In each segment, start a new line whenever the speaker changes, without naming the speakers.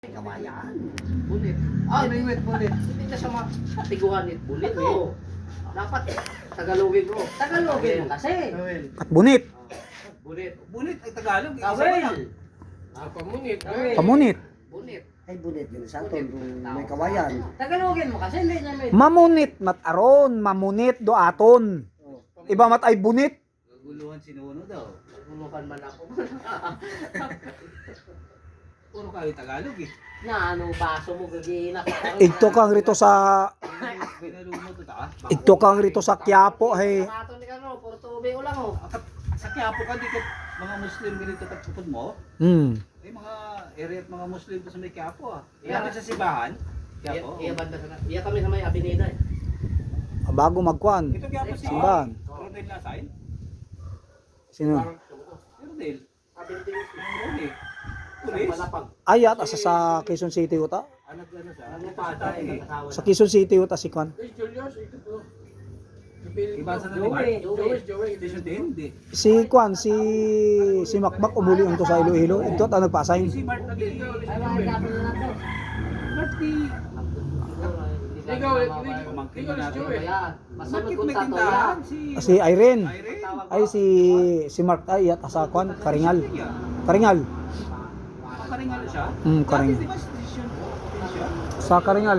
Kawayan.
Bulit.
Ay,
May wet bulit.
hindi na siya matiguan it bulit. Oo. Dapat Tagalogin mo. Tagalogin mo kasi.
Awel.
At bunit.
Bulit.
Bulit ay Tagalog. Isa
Awel.
lang.
Pamunit.
Pamunit.
Bunit.
Ay, bulit yun sa
Bulit.
aton. May kawayan.
Tagalogin mo kasi hindi niya may...
Mamunit mataron, mamunit do aton. Iba mat ay bunit.
Guluhan sinuno daw.
Guluhan man ako.
Puro kayo Tagalog eh.
Na ano baso mo gagiinak.
Igto kang rito sa
Binalumo to ta.
igto kang rito sa Quiapo hay.
Ato ni kano, puro tubig ulang oh.
Sa Quiapo ka dito mga Muslim ganito tagpupod mo. Eh mga area at mga Muslim to sa may Quiapo ah.
Yeah.
Iya sa Sibahan. Quiapo.
Iya banda sana. Iya kami sa may Avenida eh.
Bago magkuan.
Ito Quiapo si
Simbahan.
Rodel Lasain.
Sino?
Rodel.
Avenida.
Rodel. Pulis.
Ayat asa sa Quezon City uta.
Anak ano sa?
Ano pa tayo nakasawa.
Sa Quezon City uta si Kwan.
Iba sa naman. Station 10 di.
Si Kwan si Makmak umuli unto sa Iloilo. Igto ta nagpa-assign.
Si Mark nag
Ay makikapin na lang to.
Marty.
Ikaw,
Pamangkin na natin.
Masunod
Bakit
kung
may
tato
tindahan?
yan.
Si Irene.
Irene.
Ay si Mark ayat asa Kwan Karingal. Karingal.
Karingal siya?
Karingal.
Di ba station siya?
Sa Karingal.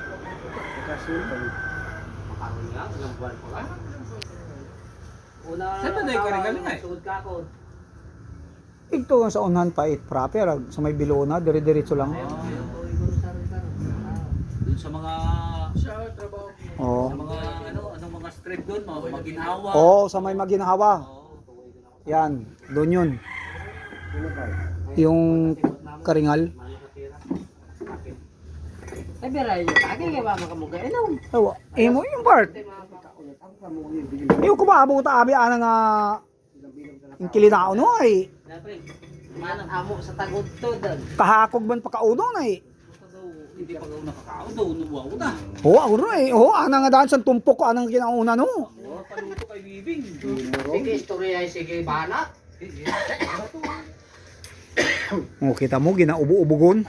Makaroon nga, ilang buwan pa lang. Una,
Saan ba tayo Karingal nga eh?
sugod ka ako.
Igto sa unahan pa it proper sa may Bilona dire-diretso lang.
Doon sa mga
Oh.
sa mga anong mga street doon, mga maginhawa.
Oh, sa may Maginhawa.
Oo.
Yan, doon yun. Yung Karingal.
Ay, biray nyo. Agay nga ba makamugay? Ano?
Ewa, mo yung part. Iyo ko ba abot ta abi ana nga yung kilinao no ay
Manang amo sa tagod to doon.
kahakog man pakauno na eh.
Hindi pa daw nakakao daw nuwaw ta.
Oh, ako ro eh. Oh, ana nga daan sa tumpok ko anang kinauna no.
Oh, paluto kay Bibing.
Sige, istorya ay sige, banat.
Oh, kita mo ginaubo-ubugon.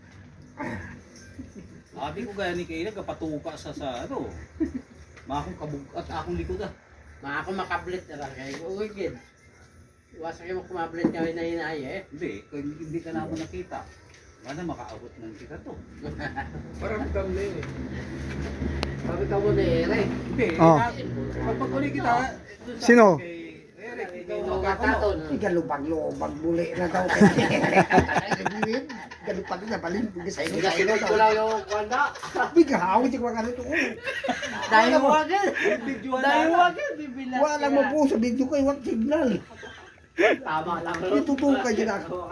Abi ko gaya ni Kayla kapatuka sa ano. Makong kabug at akong likod ah.
Mga ako makablit na lang. Kaya uwi gid. Iwasan kayo kumablit kami na hinay eh.
Hindi, kung hindi ka naman nakita. Wala makaabot ng kita to.
Parang kami eh. Sabi ka mo na Eric.
Hindi,
Oh.
pag uli kita doon sa
Sino?
kay Eric, ikaw
Ikaw
magkakano.
kataton.
Galubag-lubag buli na daw. Galupag na balin. Sa ino sa ino
Ito
daw.
lang yung kwanda.
Bigaw, hindi ko ganito.
Dahil wagin.
Videoan
Dahil
na.
wagin. Bibilang
Wala mo po sa video ko, iwag signal.
Tama lang.
Itutukan yun ako.